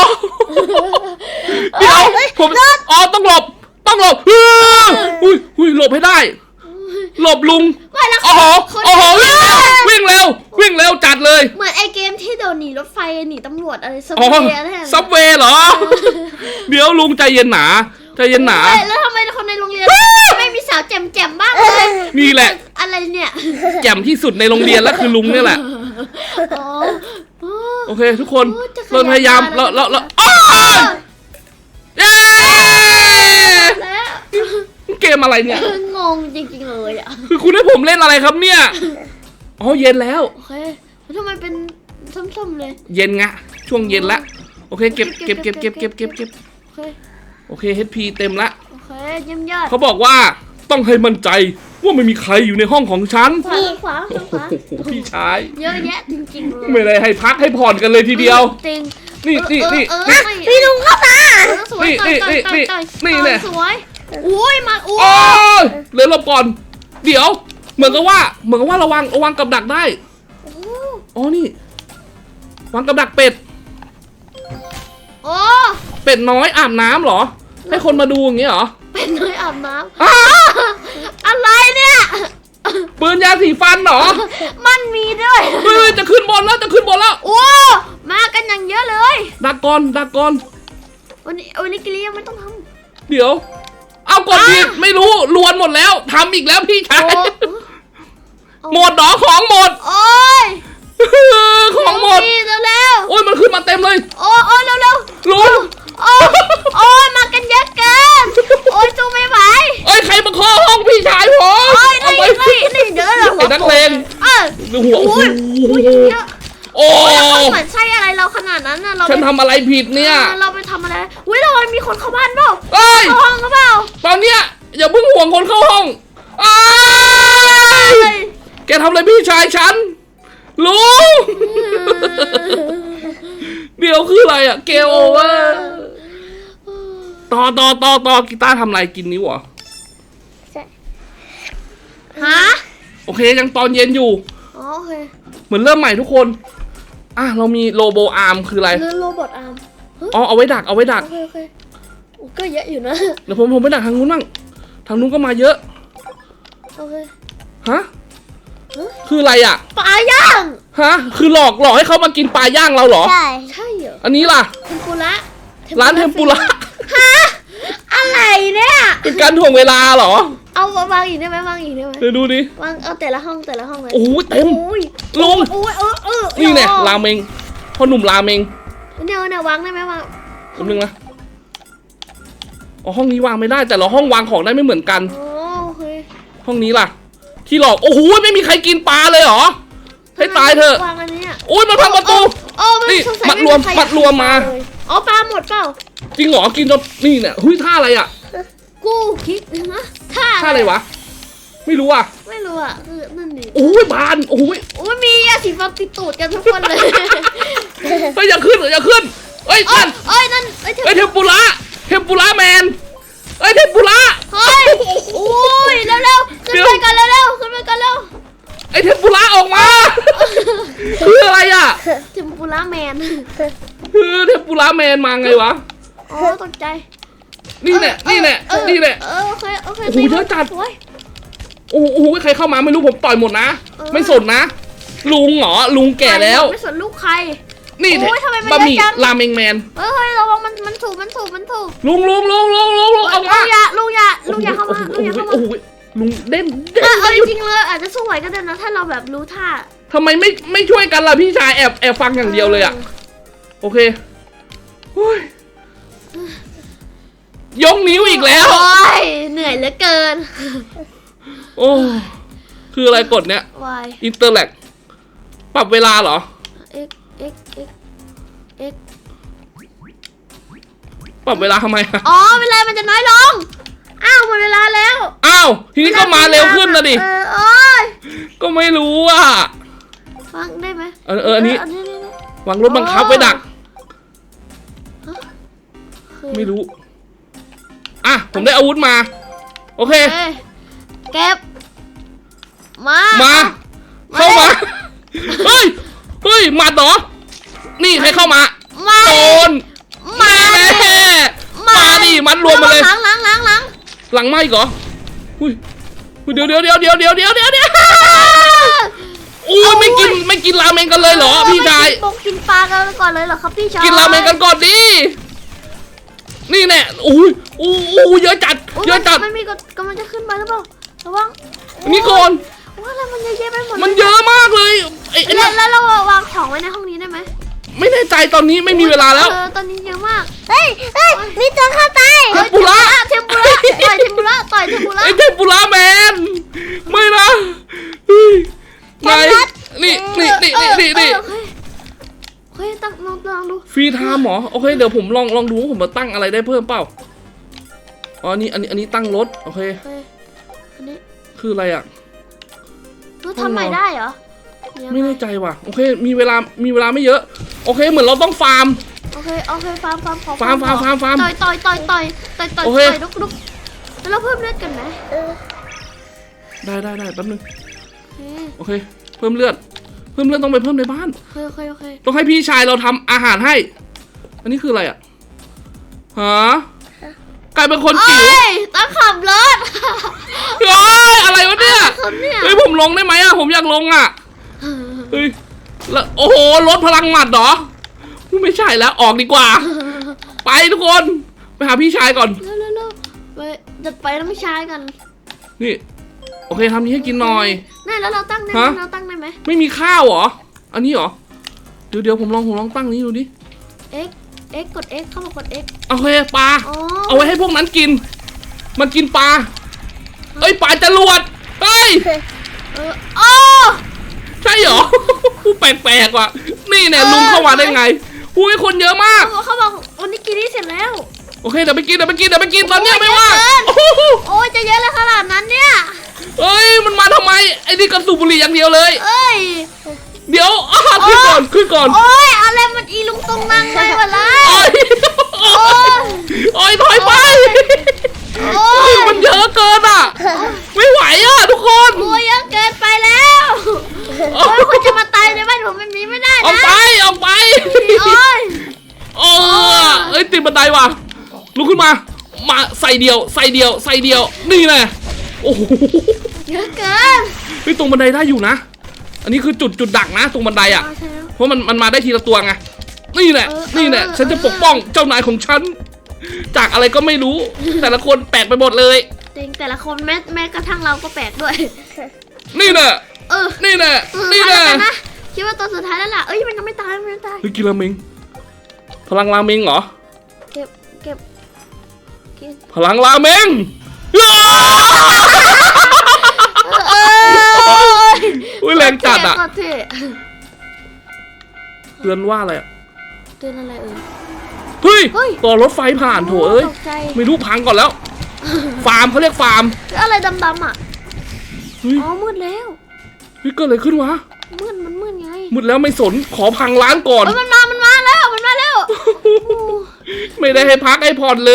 [SPEAKER 1] เนี่ย
[SPEAKER 2] โหเดี๋ยวผมอ๋อต้องหลบ ต้องหลบเฮ้ยอุ้ยอุ้ยหลบให้ได้ หลบลุง
[SPEAKER 1] ไม่แล้ว
[SPEAKER 2] โอ้โห
[SPEAKER 1] คน
[SPEAKER 2] โอ้โหวิ่งเร็ววิ่งเร็ว วิ่งเร็วจัดเลย
[SPEAKER 1] เหมือนไอเกมที่โดนหนีรถไฟหนีตำรวจอะไรส
[SPEAKER 2] อ๋อ
[SPEAKER 1] เปียร์แทน
[SPEAKER 2] ซับเวย์เหรอ เดี๋ยวลุงใจเย็นหนาใจเย็นหนา
[SPEAKER 1] เฮ้ยแล้วทำไมคนในโรงเรียนไม่มีสาวแจ่มๆบ้างเลย
[SPEAKER 2] นี่แหละ
[SPEAKER 1] อะไรเนี่ย
[SPEAKER 2] แจ่มที่สุดในโรงเรียนแล้วคือลุงนี่แหละ
[SPEAKER 1] อ๋ออ๋อ
[SPEAKER 2] โอเค ทุกคน
[SPEAKER 1] โอ้จะขยับ
[SPEAKER 2] เราพยายาม
[SPEAKER 1] มา
[SPEAKER 2] เรา
[SPEAKER 1] แล้ว
[SPEAKER 2] เราเราอ้าวเย้
[SPEAKER 1] แล้ว
[SPEAKER 2] เกมอะไรเนี่ย
[SPEAKER 1] งงจริงๆเลยอ่ะ
[SPEAKER 2] คือคุณให้ผมเล่นอะไรครับเนี่ยอ๋อเย็นแล้ว
[SPEAKER 1] โอเคแล้วทำไมเป็นส้มๆเลย
[SPEAKER 2] เย็นไงช่วงเย็นละโอเคเก็บเก็บเก็บเก็บเก็บเก็บเก็บ
[SPEAKER 1] โอเค
[SPEAKER 2] โอเค เอช พี เต็มละ
[SPEAKER 1] โอเคเยี่ยมยอด
[SPEAKER 2] เขาบอกว่าต้องให้มั่นใจว่าไม่มีใครอยู่ในห้องของฉัน
[SPEAKER 1] ขวาขวา
[SPEAKER 2] โอ้
[SPEAKER 1] ขวา
[SPEAKER 2] โหพี่ชาย
[SPEAKER 1] เยอะแยะจริงๆเลย
[SPEAKER 2] ไม่ได้ให้พักให้ผ่อนกันเลยทีเดียว
[SPEAKER 1] จริง
[SPEAKER 2] นี่นี่นี่
[SPEAKER 1] เออเออ
[SPEAKER 2] นี่
[SPEAKER 3] พี่ลุงเข้ามา
[SPEAKER 1] เออสวย
[SPEAKER 2] นี่
[SPEAKER 1] ต่อย
[SPEAKER 2] นี่
[SPEAKER 1] ต่อย
[SPEAKER 2] นี่
[SPEAKER 1] ต่อยต่อย
[SPEAKER 2] นี่แหละ
[SPEAKER 1] สวยอุ้ยมาอุ้
[SPEAKER 2] โอ้
[SPEAKER 1] ย
[SPEAKER 2] ยเหลือหลบก่อน เดี๋ยว เหมือนกับว่า เหมือนกับว่าเราวางเราวางกับดักได้
[SPEAKER 1] โอ้
[SPEAKER 2] อ๋อนี่ วางกับดักเป็ด
[SPEAKER 1] โอ้
[SPEAKER 2] เป็ดน้อยอาบน้ำเหรอให้คนมาดูอย่างเงี้ยเหรอ
[SPEAKER 1] เป็นน้อยอาบน้
[SPEAKER 2] อ้า
[SPEAKER 1] ำอะไรเนี่ย
[SPEAKER 2] ปืนยาสีฟันเหรอ
[SPEAKER 1] มันมีด้วย
[SPEAKER 2] เฮ้ยจะขึ้นบนแล้วจะขึ้นบนแล้ว
[SPEAKER 1] โอ้มากันอย่างเยอะเลย
[SPEAKER 2] ดักก่อนดักก่อน
[SPEAKER 1] วันนี้วันนี้กิริยังไม่ต้องท
[SPEAKER 2] เดี๋ยว เอากดผิดไม่รู้ลวนหมดแล้วทำอีกแล้วพี่
[SPEAKER 1] ำ
[SPEAKER 2] ชาย
[SPEAKER 1] โอ้
[SPEAKER 2] หมดเหรอของหมด
[SPEAKER 1] โอ้ย
[SPEAKER 2] ของหมด
[SPEAKER 1] เร็วเร็ว
[SPEAKER 2] โอ้ยมันขึ้นมาเต็มเลย
[SPEAKER 1] โอ้โอ้เร็วเร็ว
[SPEAKER 2] ลุง
[SPEAKER 1] โอ้โอ้มากันเยอะเกินโอ้ยสู้ไม่ไหว
[SPEAKER 2] เอ้ยใครมาเคาะห้องพี่ชายผม
[SPEAKER 1] โอ้ย
[SPEAKER 2] เอา
[SPEAKER 1] นี่
[SPEAKER 2] ไป
[SPEAKER 1] นี่นี่เดี๋ยวเรา
[SPEAKER 2] ไอ้นักเลง
[SPEAKER 1] เออ
[SPEAKER 2] หัวโอ้โห
[SPEAKER 1] เยอะ
[SPEAKER 2] โอ้
[SPEAKER 1] โอ้ยเขาเหมือนใช่อะไรเราขนาดนั้นน่ะเรา
[SPEAKER 2] ฉันทำอะไรผิดเนี่ย
[SPEAKER 1] เออเราไปทำอะไรอุ้ยเรามีคนเข้าบ้านเปล่า
[SPEAKER 2] เอ้ย
[SPEAKER 1] เข้าห้องหรือเปล่า
[SPEAKER 2] ตอนเนี้ยอย่าเพิ่งห่วงคนเข้าห้องอ้าย
[SPEAKER 1] เฮ้ย
[SPEAKER 2] แกทำอะไรพี่ชายฉันลุงเดี๋ยวคืออะไรอะเกลโอเวอร์ต่อต่อต่อต่อกีตาร์ทำอะไรกินนิ้วเหรอ
[SPEAKER 1] ฮะ
[SPEAKER 2] โอเคยังตอนเย็นอยู่
[SPEAKER 1] อ๋อโอเค
[SPEAKER 2] เหมือนเริ่มใหม่ทุกคนอ่ะเรามีโลโบอาร์มคืออะไร
[SPEAKER 1] เรือโรบอทอาร์ม
[SPEAKER 2] อ๋อเอาไว้ดักเอาไว้ดัก
[SPEAKER 1] โอเคโอเคโอ้ก็เยอะอยู่นะ
[SPEAKER 2] เดี๋ยวผมผมไปดักทางนู้นบ้างทางนู้นก็มาเยอะ
[SPEAKER 1] โอเค
[SPEAKER 2] ฮะคืออะไรอ่ะ
[SPEAKER 1] ปลาย่าง
[SPEAKER 2] ฮะคือหลอกหลอกให้เขามากินปลาย่างเราเหรอ
[SPEAKER 3] ใช่
[SPEAKER 1] ใช่เหรอ
[SPEAKER 2] อันนี้ล่ะ
[SPEAKER 1] เทมปุระ
[SPEAKER 2] ร้านเทมปุระ
[SPEAKER 1] ฮะอะไรเนี่ย
[SPEAKER 2] เป็นการถ่วงเวลาเหรอ
[SPEAKER 1] เอาวางอีกได้ไหมวางอีกได้ไหม
[SPEAKER 2] เดี๋ยวดูดิ
[SPEAKER 1] วางเอาแต่ละห้องแต่ละห้องเลย
[SPEAKER 2] โอ้โหเต็ม
[SPEAKER 1] โอ้ย
[SPEAKER 2] ลุง
[SPEAKER 1] โอ้ยเออเออ
[SPEAKER 2] นี่เนี่ยราเมงพ่อหนุ่มราเมง
[SPEAKER 1] เนี่ยเนี่ยวางได้ไหมวาง
[SPEAKER 2] แป๊บนึงนะอ๋อห้องนี้วางไม่ได้แต่ละห้องวางของได้ไม่เหมือนกัน
[SPEAKER 1] โอ้โอเค
[SPEAKER 2] ห้องนี้ล่ะ ที่หลอกโอ้โหไม่มีใครกินปลาเลยเหรอให้ตายเถอะ
[SPEAKER 1] วางอันนี้อ่ะ
[SPEAKER 2] โอ้ยมันพังประตู
[SPEAKER 1] โอ้มัน
[SPEAKER 2] นี่
[SPEAKER 1] สงสัย
[SPEAKER 2] มัดรวม
[SPEAKER 1] ไใค
[SPEAKER 2] มัดรวมมา
[SPEAKER 1] เลยอ๋อปลาหมดเปล่า
[SPEAKER 2] จริงเหรอกินจนนี่เนี่ยหุ้ยท่าอะไรอ่ะ
[SPEAKER 1] กูคิดนะท่า
[SPEAKER 2] ท่าอะไรวะไม่รู้อ่ะ
[SPEAKER 1] ไม่รู้อ่ะคือนั่นดิ
[SPEAKER 2] โอ้ยบานโอ้ย
[SPEAKER 1] โอ้ยมียาสีฟันติดตูดกันทุกคนเลย
[SPEAKER 2] เฮ้ยอย่าขึ้นอย่าขึ้นเอ้ย
[SPEAKER 1] โอ้
[SPEAKER 2] นั่
[SPEAKER 1] ย
[SPEAKER 2] น
[SPEAKER 1] โอ้ยนั่นเอ้ย
[SPEAKER 2] เอ้ยเทมปุระเทมปุระแมนเอ้ยเทมปุระ
[SPEAKER 1] เฮ้ยโอ้ยเร็วเร็วๆขึ้นไปกันเร็วเร็วๆขึ้นไปกันเร็ว
[SPEAKER 2] ไอ้เทมปุระออกมา คืออะไรอ่ะ
[SPEAKER 1] เทมปุระแมน
[SPEAKER 2] คือเทมปุระแมนมาไงวะ
[SPEAKER 1] อ๋อตกใจ
[SPEAKER 2] นี่แหละนี่แหละ
[SPEAKER 1] เออ
[SPEAKER 2] นี่แหละ
[SPEAKER 1] เออโอเคโอเค
[SPEAKER 2] โอ้โหเยอะจัด
[SPEAKER 1] โอ้ย
[SPEAKER 2] โอ้โหโอ้โหใครเข้ามาไม่รู้ผมต่อยหมดนะ
[SPEAKER 1] เออ
[SPEAKER 2] ไม่สนนะ ลุงเหรอลุงแก่แล้ว
[SPEAKER 1] ไม่สนลูกใคร
[SPEAKER 2] นี่
[SPEAKER 1] โอ้ยทำไมมัน
[SPEAKER 2] บะหมี่
[SPEAKER 1] เยอะจัง
[SPEAKER 2] ราเมงแมน
[SPEAKER 1] เฮ้ยเฮ้ยระวังมันมันถูกมันถูกมันถูก
[SPEAKER 2] ลุงลุงลุงลุงลุงลุงออก
[SPEAKER 1] ลู
[SPEAKER 2] มาก
[SPEAKER 1] อยาลูกอยาลูกอยาเข้ามาลูกอยาเข้ามา
[SPEAKER 2] โอ้โหลุงเด่นเด่
[SPEAKER 1] เออน เอาจริงๆเลยอาจจะสู้ไหวก็ได้นะถ้าเราแบบรู้ท่า
[SPEAKER 2] ทำไมไม่ไม่ช่วยกันล่ะพี่ชายแอบแอบฟังอย่างเดียวเลยอ่ะโอเคโอ้ยยกนิ้วอีกแล้ว
[SPEAKER 1] โอ้ยเหนื่อยเหลือเกิน
[SPEAKER 2] โอ้คืออะไรกดเนี้ย
[SPEAKER 1] y
[SPEAKER 2] อินเตอร์แลกปรับเวลาเหรอ
[SPEAKER 1] x x x x
[SPEAKER 2] ปรับเวลาทำไมอะ
[SPEAKER 1] อ๋อเวลามันจะน้อยลงอ้าวหมดเวลาแล้ว
[SPEAKER 2] อ้าวทีนี้ก็มาเร็วขึ้นนะดิ
[SPEAKER 1] เออโอ้ย
[SPEAKER 2] ก็ไม่รู้อ่ะ
[SPEAKER 1] ฟังได้ไหม
[SPEAKER 2] เออเอออันนี้
[SPEAKER 1] อันนี้นี่นี่
[SPEAKER 2] วางรถบังคับไว้ดัก
[SPEAKER 1] คือ
[SPEAKER 2] ไม่รู้ อ่ะ ผมได้อาวุธมา โอเค
[SPEAKER 1] เอ้ยเก็บมา
[SPEAKER 2] มา เข้ามา เฮ้ย เฮ้ยหมัดเหรอ นี่ใครเข้ามา
[SPEAKER 1] มา
[SPEAKER 2] โดน
[SPEAKER 1] มา
[SPEAKER 2] แม่มาดิมัดรวมมาเลย
[SPEAKER 1] หลังหลังหลังหลัง
[SPEAKER 2] หลังไหมอีกเหรออุ้ยอุ้ยเดี๋ยวเดี๋ยวเดี๋ยวเดี๋ยวเดี๋ยวเดี๋ยวเดี๋ยวเดี๋ยวอุ้ยไม่กินไม่กินราเมงกันเลยเหรอพี่ชาย
[SPEAKER 1] ปกกินปลากันก่อนเลยเหรอครับพี่ชาย
[SPEAKER 2] กินราเมงกันก่อนดิ นี่แน่อุ้ยอู้อู้เยอะจัด
[SPEAKER 1] อุ๊ย
[SPEAKER 2] เยอะจัด
[SPEAKER 1] มันมีกกำลังจะขึ้นมาหรือเปล่าระวัง
[SPEAKER 2] นี่ก่อน
[SPEAKER 1] ว่าอะไรมันเยอะแยะไปหมด
[SPEAKER 2] มันเยอะมากเลยไอ้ไอ้
[SPEAKER 1] แล้
[SPEAKER 2] นั่
[SPEAKER 1] วน แล้วเราวางของไว้ในห้องนี้ได้ไหม
[SPEAKER 2] ไม่แน่ใจตอนนี้ไม่มีเวลาแล้ว
[SPEAKER 1] เออตอนนี้เยอะมาก
[SPEAKER 3] เฮ้ยเฮ้ยมีตัวเข้าใต้
[SPEAKER 2] เทมปุระ
[SPEAKER 1] เทมปุระต่อยเทมปุระต่อยเทมปุระ
[SPEAKER 2] ไอ้เทมปุระแมน ไม่นะเฮ้ยไหนนี่นี่นี่นี่นี่นี่
[SPEAKER 1] เออเออเออเฮ้ยตั้งลองลองดู
[SPEAKER 2] ฟรีไทม์เหรอโอเคเดี๋ยวผมลองลองดูว่าผมมาตั้งอะไรได้เพิ่มเปล่าอ๋ออันนี้อันนี้อันนี้ตั้งรถโอเค
[SPEAKER 1] เฮ้ยอันนี้
[SPEAKER 2] คืออะไรอ่ะ
[SPEAKER 1] รู้ทำใหม่ได้เหรอยังง
[SPEAKER 2] ไม่แน่ใจว่ะโอเคมีเวลามีเวลาไม่เยอะโอเคเหมือนเราต้องฟาร์ม
[SPEAKER 1] โอเคโอเคฟาร์มฟาร์มขอ
[SPEAKER 2] ฟาร์มฟาร์มฟาร์มฟาร์ม
[SPEAKER 1] ต่อยต่อยต่อยต่อยต่อยต่อย
[SPEAKER 2] โอเค
[SPEAKER 1] ต่อยลุกลุกแล้วเราเพิ่มเลือดกันไหม
[SPEAKER 3] เออ
[SPEAKER 2] ได้ได้ได้แป๊บนึง
[SPEAKER 1] โอเค
[SPEAKER 2] โอเค เพิ่มเลือด เพิ่มเลือดต้องไปเพิ่มในบ้าน
[SPEAKER 1] โอเคโอเคโอเค
[SPEAKER 2] ต้องให้พี่ชายเราทำอาหารให้ อันนี้คืออะไรอ่ะฮะรเป็นคน
[SPEAKER 1] โอ้
[SPEAKER 2] จิ๋วย
[SPEAKER 1] ต้องขับรถ
[SPEAKER 2] เฮ้ยอะไรวะเนี่ย
[SPEAKER 1] คนเนี่ย
[SPEAKER 2] เฮ้ยผมลงได้ไหมอะผมอยากลงอะเฮ้ยแล้วโอ้โหรถพลังหมัดเหรอไม่ใช่แล้วออกดีกว่า ไปทุกคนไปหาพี่ชายก่อน
[SPEAKER 1] เร็วเร็วเร็วไปจะไปแล้วไม่ใช้กัน
[SPEAKER 2] นี่โอเคทำนี้ให้กินหน่อย
[SPEAKER 1] นี่แล้วเราตั้งได้ไหม
[SPEAKER 2] ฮะ
[SPEAKER 1] เราตั้งได้ไหม
[SPEAKER 2] ไม่มีข้าวเหรออันนี้เหรอเดี๋ยวเดี๋ยวผมลองผมลองตั้งนี้ดูดิ
[SPEAKER 1] X X กด X เข้ามากด X
[SPEAKER 2] โอเคปลา
[SPEAKER 1] อ๋อ
[SPEAKER 2] เอาไว้ให้พวกนั้นกินมากินปลาเอ้ยปลาจรวดเฮ้ย
[SPEAKER 1] เออโอ้
[SPEAKER 2] ใช่เหรอ แปลกๆว่ะนี่เนี่ยลุงเข้ามาได้ไงอุ้ยคนเยอะมาก
[SPEAKER 1] เขาบอกเขาบอกวันนี้กินนี่เสร็จแล้ว
[SPEAKER 2] โอเคเดี๋ยวไปกินเดี๋ยวไปกินเดี๋ยวไปกินตอนเนี้ยไม่ว่าง
[SPEAKER 1] โอ้โห โอ้ยจะเยอะเลยขนาดนั้นเนี่ย
[SPEAKER 2] เอ้ยมันมาทำไมไอ้นี่กระสูบบุหรี่อย่างเดียวเลย
[SPEAKER 1] เอ้ย
[SPEAKER 2] เดี๋ยวอ้าวขึ้นก่อนขึ้นก่อน
[SPEAKER 1] โอ้ยอะไรมันอีลุงตรงนังไปหมดเล
[SPEAKER 2] โอ้
[SPEAKER 1] ย
[SPEAKER 2] ยโอ้ยถอยไป
[SPEAKER 1] โอ้
[SPEAKER 2] เฮ้
[SPEAKER 1] ย
[SPEAKER 2] ยมันเยอะเกินอ่ะไม่ไหวอ่ะทุกคน
[SPEAKER 1] โอ้ยเยอะเกินไปแล้วโอ้ยคุณจะมาตายในบ้านผมแบบนี้ไม่ได้
[SPEAKER 2] ออก
[SPEAKER 1] นะ
[SPEAKER 2] ไปออกไป
[SPEAKER 1] โอ้ย
[SPEAKER 2] โอ้ยเอ้ยติดบันไดว่ะลุกขึ้นมามาใส่เดียวใส่เดียวใส่เดียวนี่แหละโอ้โห
[SPEAKER 1] เยอะเกิน
[SPEAKER 2] เฮ้ยตรงบันไดได้อยู่นะ อันนี้คือจุดจุดดักนะตรงบันไดอ่ะ
[SPEAKER 1] เอาใช่แล้ว
[SPEAKER 2] เพราะมันมันมาได้ทีละตัวไง นี่แหละ
[SPEAKER 1] เออ
[SPEAKER 2] นี่แหละ
[SPEAKER 1] เออ
[SPEAKER 2] ฉันจะ
[SPEAKER 1] เออ
[SPEAKER 2] ปกป้องเจ้านายของฉัน จากอะไรก็ไม่รู้ แต่ละคนแปลกไปหมดเลย
[SPEAKER 1] จริงแต่ละคนแม้แม้กระทั่งเราก็แปลกด้วย
[SPEAKER 2] นี่แหละ
[SPEAKER 1] เออ
[SPEAKER 2] นี่แหละ
[SPEAKER 1] เออ
[SPEAKER 2] นี่
[SPEAKER 1] เอา
[SPEAKER 2] แหละ
[SPEAKER 1] แล้วกันนะคิดว่าตัวสุดท้ายแล้วล่ะเอ้ยมันยังไม่ตายมันยังไม่ตาย
[SPEAKER 2] เฮ้ยกินราเมง พลังราเมงเหรอ
[SPEAKER 1] เก็บเก็บกิน
[SPEAKER 2] พลังราเมงอ้าว
[SPEAKER 1] เออ
[SPEAKER 2] อุ้ยแรงจัดอ่ะ
[SPEAKER 1] ก็เท่
[SPEAKER 2] เตือนว่าอะไรอ่ะ
[SPEAKER 1] เตือนอะไรเอ่ย
[SPEAKER 2] เฮ้ย
[SPEAKER 1] เฮ้ย
[SPEAKER 2] ต่อรถไฟผ่านโถเอ้ย
[SPEAKER 1] ตกใจ
[SPEAKER 2] ไม่รู้พังก่อนแล้ว ฟาร์มเขาเรียกฟาร์ม
[SPEAKER 1] แล้วอะไรดำๆอ่ะ
[SPEAKER 2] เฮ้ย
[SPEAKER 1] อ๋อมืดแล้ว
[SPEAKER 2] เฮ้ยเกิดอะไรขึ้นวะ
[SPEAKER 1] มืดมันมืดไง
[SPEAKER 2] มืดแล้วไม่สน ขอพังร้านก่อน
[SPEAKER 1] เอ้ยมันมามันมาแล้วมันมาแล้วโอ้
[SPEAKER 2] ไม่ได้ให้พักให้ผ่อนเลย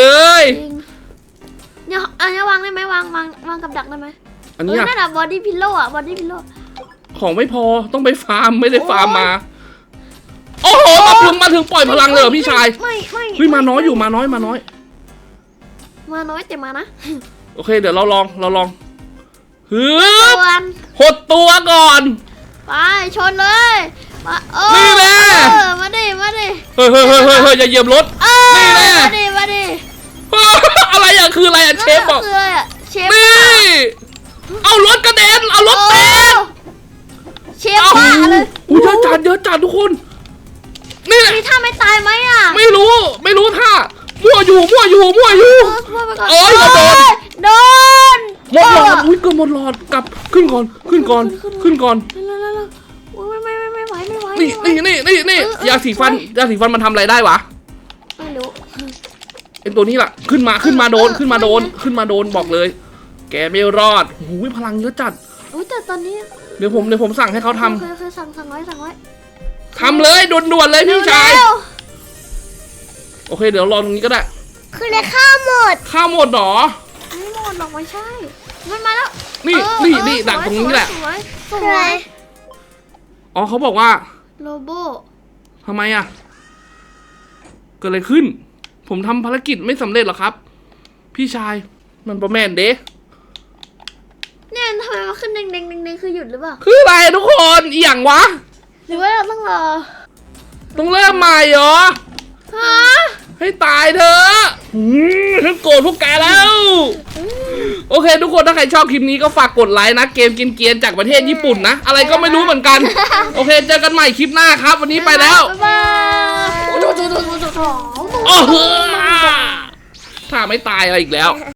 [SPEAKER 1] จริงเนี่ยอันนี้วางได้ไหมวางวางวางกับดักได้ไหม
[SPEAKER 2] อัน
[SPEAKER 1] เอ
[SPEAKER 2] นี้
[SPEAKER 1] อ
[SPEAKER 2] อะ
[SPEAKER 1] นั่นอะบอดี้พิลโล่อะบอดี้พิลโล่
[SPEAKER 2] ของไม่พอต้องไปฟาร์มไม่ได้ฟาร์ม
[SPEAKER 1] โอ้ย
[SPEAKER 2] มา โอ้โหมาถึงมาถึงปล่อยพลังเลยเหรอพี่ชาย
[SPEAKER 1] ไม่ไม่
[SPEAKER 2] เฮ้ยมาน้อยอยู่มาน้อยมาน้อย
[SPEAKER 1] มาน้อยแต่มานะ
[SPEAKER 2] โอเค เดี๋ยวเราลองเราลองฮึ
[SPEAKER 1] ตั
[SPEAKER 2] บ
[SPEAKER 1] ว
[SPEAKER 2] หดตัวก่อน
[SPEAKER 1] ไปชนเลยมาเออ
[SPEAKER 2] นี่แน่
[SPEAKER 1] เออมาดิมาดิ
[SPEAKER 2] เฮ้ยเฮ้ยเฮ้ยเฮ้ยเฮ้ยอย่าเหยียบรถ
[SPEAKER 1] เออ
[SPEAKER 2] นี่แน่
[SPEAKER 1] มาดิมาดิ
[SPEAKER 2] อะไรอะคืออะไรอะเชฟบอก
[SPEAKER 1] คืออะไรอะเชฟ
[SPEAKER 2] นี่เอารถกระเด็นเอารถ
[SPEAKER 1] โอ้
[SPEAKER 2] เต็น
[SPEAKER 1] เชฟ
[SPEAKER 2] เอา
[SPEAKER 1] บ้าเลย
[SPEAKER 2] โอ้ยเยอะจัดเยอะจัดทุกคน นี่แหละ
[SPEAKER 1] มีท่าไม่ตายไหมอะ
[SPEAKER 2] ไม่รู้ไม่รู้ท่ามั่วอยู่มั่วอยู่มั่วอยู่
[SPEAKER 1] เออว่าไปก่อน
[SPEAKER 2] โอ้ยเราโดน
[SPEAKER 1] โดน
[SPEAKER 2] หมดหลอดอุ้ยเกินหมดหลอดกลับขึ้นก่อนขึ้นก่อนขึ้นก่อน
[SPEAKER 1] เร็วๆๆๆโอ้ยไม่ไม่ไม่ไม่ไหวไม่ไหว
[SPEAKER 2] นี่
[SPEAKER 1] ไม่ไหว
[SPEAKER 2] นี่นี่นี่นี่
[SPEAKER 1] เออเออย
[SPEAKER 2] าสีฟันยาสีฟันมันทำอะไรได้วะ
[SPEAKER 1] ไม่รู้
[SPEAKER 2] ไอตัวนี้แหละขึ้นมาขึ้นมาโดน
[SPEAKER 1] เออ
[SPEAKER 2] ขึ้นมาโดน
[SPEAKER 1] ไม่นะ
[SPEAKER 2] ขึ้นมาโดนบอกเลย แกไม่รอดโอ้ยพลังเยอะจัด
[SPEAKER 1] อุ้ยแต่ตอนนี้
[SPEAKER 2] เดี๋ยวผมเดี๋ยวผมสั่งให้เขาทำ
[SPEAKER 1] เคยเคยสั่งสั่งไว้สั่งไว้
[SPEAKER 2] ทำเลยด่วนๆเลยพี่ชาย
[SPEAKER 1] เร็ว
[SPEAKER 2] โอเคเดี๋ยวรอตรงนี้ก็ได้
[SPEAKER 3] คือในข้าวหมด
[SPEAKER 2] ข้าวหมดเหรอ
[SPEAKER 1] ๆไม่หมดหรอกไม่ใช่มันมาแล้ว
[SPEAKER 2] นี่
[SPEAKER 1] เออ
[SPEAKER 2] นี่
[SPEAKER 1] เออ
[SPEAKER 2] นี่
[SPEAKER 1] สวย
[SPEAKER 2] ดักตรงนี้แหละ
[SPEAKER 1] สวยส
[SPEAKER 3] คือ
[SPEAKER 1] ว
[SPEAKER 3] อะไร
[SPEAKER 1] ย
[SPEAKER 2] อ๋อเขาบอกว่า
[SPEAKER 1] โลโบ
[SPEAKER 2] ทำไมอ่ะเกิดอะไรขึ้น ผมทำภารกิจไม่สำเร็จหรอครับ พี่ชายมันประแมนเด้
[SPEAKER 1] เนี่ยทำไมมันขึ้นแดงแดงแดงแดงคือหยุดหรือเปล่า
[SPEAKER 2] คืออะไรทุกคนอหย่างวะ
[SPEAKER 1] หรือว่าเราต้องรอ
[SPEAKER 2] ต้องเริ่มใหม่เหรอ
[SPEAKER 1] ฮะ
[SPEAKER 2] ให้ตายเถอะอืมฉันโกรธพวกแกแล้ว โอเค ทุกคนถ้าใครชอบคลิปนี้ก็ฝากกดไลค์นะ เกมกินเกียนจากประเทศญี่ปุ่นนะ อะไรก็ไม่รู้เหมือนกัน โอเค เจอกันใหม่คลิปหน้าครับ วันนี้ไปแล้ว
[SPEAKER 1] บ๊ายบายโอ้โหโอ้โหโอ้โหโอ้โห
[SPEAKER 2] โอ้โหถ้าไม่ตายอะไรอีกแล้ว